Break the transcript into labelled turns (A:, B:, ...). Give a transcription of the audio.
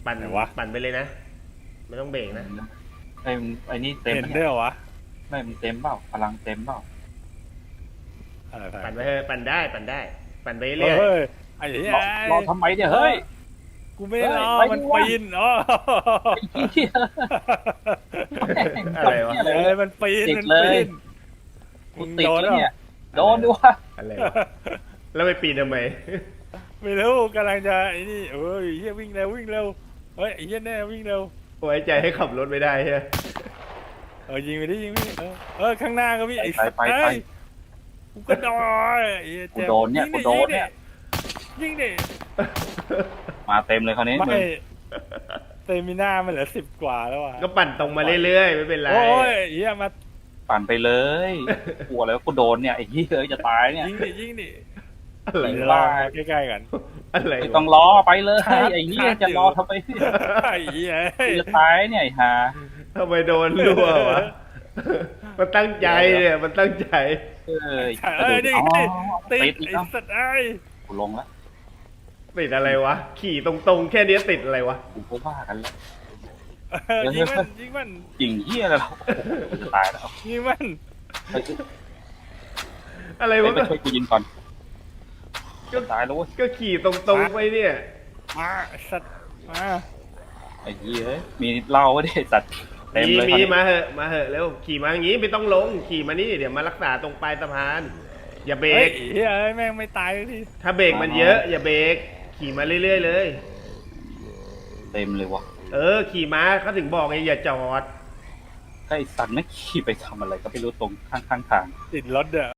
A: ปั่นปั่นไปเลยนะไม่ต้องเบรกนะ
B: ไอ้นี่เต็ม
C: เห็นได้เหรอวะ
B: ไม่มันเต็มเปล่าพลังเต็มเปล่า
C: อะไร
A: ปั่นไปเถอะปั่นได้ปั่นไปเรื่อย
C: เฮ้ยไอ้เหี้ย
B: รอทำไมเนี่ยเฮ้ย
C: กูไม่ได้รอ
B: เฮ้ย
C: มัน
B: ไปดิวะ
C: ปีนอ๋อ
B: ไอ้เหี้ย
A: อะไรวะ
C: เอ้ยมันปีน
B: ติด
C: มัน
B: เลย
C: ปีน
B: กูติดแล้วเนี่ยโดนด้วย
A: อะไรวะแล้วไปปีนทำไม
C: ไม่รู้กำลังจะไอ้นี่เอ้ยเฮียวิ่งเร็ววิ่งเร็วเฮ้ยไอ้เฮียแน่วิ่งเร็ว
A: ไว้ใจให้ขับรถไม่ได้ใช่ไหม
C: ยิงไปดิยิงไปดิข้างหน้าก็มีไอ้
B: ไป
C: เอ้ยกูก็โดนไอ้เหี้ย
B: กูโดนเนี่ยกูโดนเนี่ย
C: ยิงดิ
B: มาเต็มเลยคราวนี้
C: ไม่
B: มึง
C: เตมิน่ามันเหลือ10 กว่าแล้วอ่ะ
A: ก็ปั่นตรงมาเรื่อยๆไม่เป็นไร
C: โอ้ยเฮียมา
B: ปั่นไปเลยกลัวแล้วกูโดนเนี่ยไอ้เหี้ยเอ้ยจะตายเนี่ย
C: ยิงดิ
A: อะไร
C: ร
A: วะ
C: อใกล้ๆกัน
A: อะไร
B: ไม่
A: วะ
B: ต้องรอไปเลยไอ้เหี้ยจะรอทำไม
C: ไอ้เหี้ย
B: จะตายเนี่ยไอ้ห่า
A: ทำไมโดนรั่ววะมันตั้งใจเนี่ยมันตั้งใจ
B: เอ้ย
C: นี่
B: อ๋อ
C: ติ
B: ติ
C: ด
B: ดอีก
C: ไอ้
B: แล้ว
C: สัตว์ไอ้
B: กูลงแล้ว
A: ติดอะไรวะขี่ตรงๆแค่นี้ติดอะไรวะ
B: กูก็ว่ากันแล้ว
C: ยิงมันยิงมัน
B: จริงเหี้ยอะไรเรากูจะตายแล้ว
C: ยิงมัน
B: เฮ้ย
A: อะไร
B: ไป
A: วะ
B: ไปช่วยกูยิงก่อนจะตายแล้วเว้ย
A: ก็ขี่ตรงๆไปเนี่ย
C: มาสัตว์มา
B: ไอ้เหี้ยเอ้ยมีเหล้าไว้ดิไอ้สัตว์เต็มเลย
A: มี
B: คราวนี้
A: มาเหอะมาเหอะเร็วขี่มาอย่างงี้ไม่ต้องลงขี่มานี่เดี๋ยวมารักษาตรงปลายสะพาน อย่าเบร
C: เฮ้ย
A: ก
C: เฮ้ยแม่งไม่ตายที
A: ถ้าเบรกมันเยอะ อย่าเบรกขี่มาเรื่อยๆเลย
B: เต็มเลยว่ะ
A: ขี่ม้าเขาถึงบอกไงอย่าจอด
B: ไอ้สัตว์ไม่ขี่ไปทำอะไรก็ไม่รู้ตรงข้างทาง
C: ติดรถเด้อ